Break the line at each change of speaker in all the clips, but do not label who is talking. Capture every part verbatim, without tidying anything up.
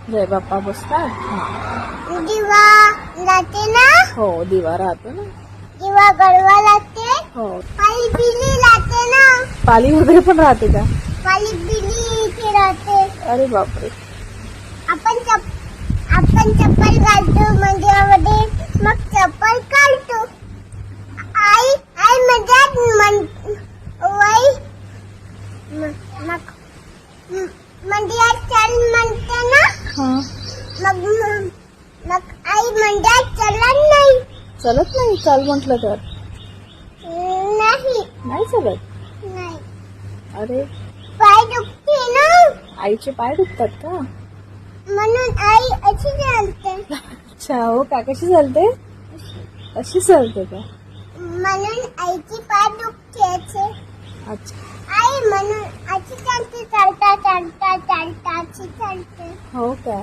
जय बाप्पा बसतात. हा.
दिवा लागते ना.
हो दिवा राहतो ना.
दिवा गडवा लागते.
हो
पाली बिली लागते ना.
पाली वगैरे पण राहते का?
पाली बिली इथे राहते.
अरे बापरे.
आपण चप आपण चप्पल घालतो मंदिरामध्ये, मग चप्पल काढतो. आई आई म्हणतात मन वय म- मग म- मंदिरात चल म्हणते ना.
हा
मग मग आई म्हणतात चलत नाही.
चलत नाही चाल म्हटलं तर
नाही
नाही चलत.
नाही
अरे
पाय दुखते ना,
आईचे पाय दुखतात का?
म्हणून आई अशी चालते.
अच्छा हो का. कशी चालते? अशी चालते का?
म्हणून आईची पाय दुखते असे.
अच्छा
आई म्हणून अशी चालते, चालता चालता चालता अशी चालते.
हो का.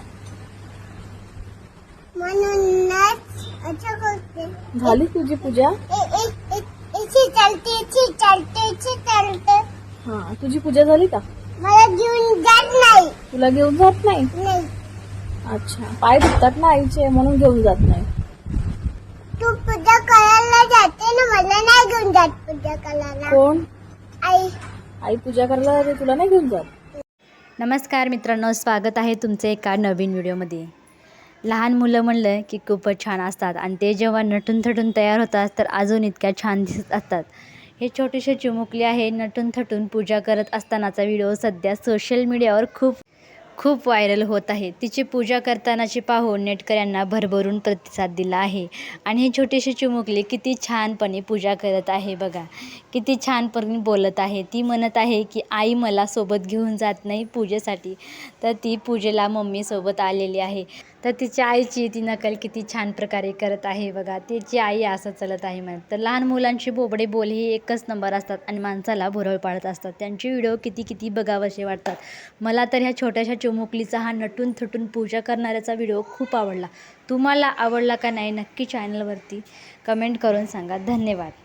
म्हणूनच असं करते.
झाली तुझी पूजा?
ए- ए- ए- अशी चालते अशी चालते अशी चालते.
हा तुझी पूजा झाली का?
मला घेऊन जात नाही.
तुला घेऊन जात नाही?
नाही
अच्छा पाय दुखतात ना आईचे म्हणून घेऊन जात नाही.
तू पूजा करायला जाते ना, मला नाही घेऊन जात पूजा करायला.
कोण?
आई
आई पूजा करायला जाते तुला नाही घेऊन जात?
नमस्कार मित्रांनो, स्वागत आहे तुमचे एका नवीन व्हिडिओमध्ये. लहान मुलं म्हणलं की खूपच छान असतात आणि ते जेव्हा नटून थटून तयार होतात तर अजून इतक्या छान दिसत असतात. हे छोटेसे चिमुकले आहे नटून थटून पूजा करत असतानाचा व्हिडिओ सध्या सोशल मीडियावर खूप खूप व्हायरल होत आहे. तिची पूजा करतानाची पाहून नेटकऱ्यांना भरभरून प्रतिसाद दिला आहे. आणि ही छोटीशी चिमुकली किती छानपणे पूजा करत आहे बघा. किती छानपणे बोलत आहे. ती म्हणत आहे की आई मला सोबत घेऊन जात नाही पूजेसाठी, तर ती पूजेला मम्मीसोबत आलेली आहे. तर तिच्या आईची ती नकल किती छान प्रकारे करत आहे बघा. तिची आई असं चलत आहे म्हणत. तर लहान मुलांचे बोबडे बोल हे एकच नंबर असतात आणि माणसाला भुरळ पाडत असतात. त्यांचे व्हिडिओ किती किती बघावेसे वाटतात. मला तर ह्या छोट्याशा चिमुकलीचा हा नटून थटून पूजा करणाऱ्याचा व्हिडिओ खूप आवडला. तुम्हाला आवडला का नाही नक्की चॅनलवरती कमेंट करून सांगा. धन्यवाद.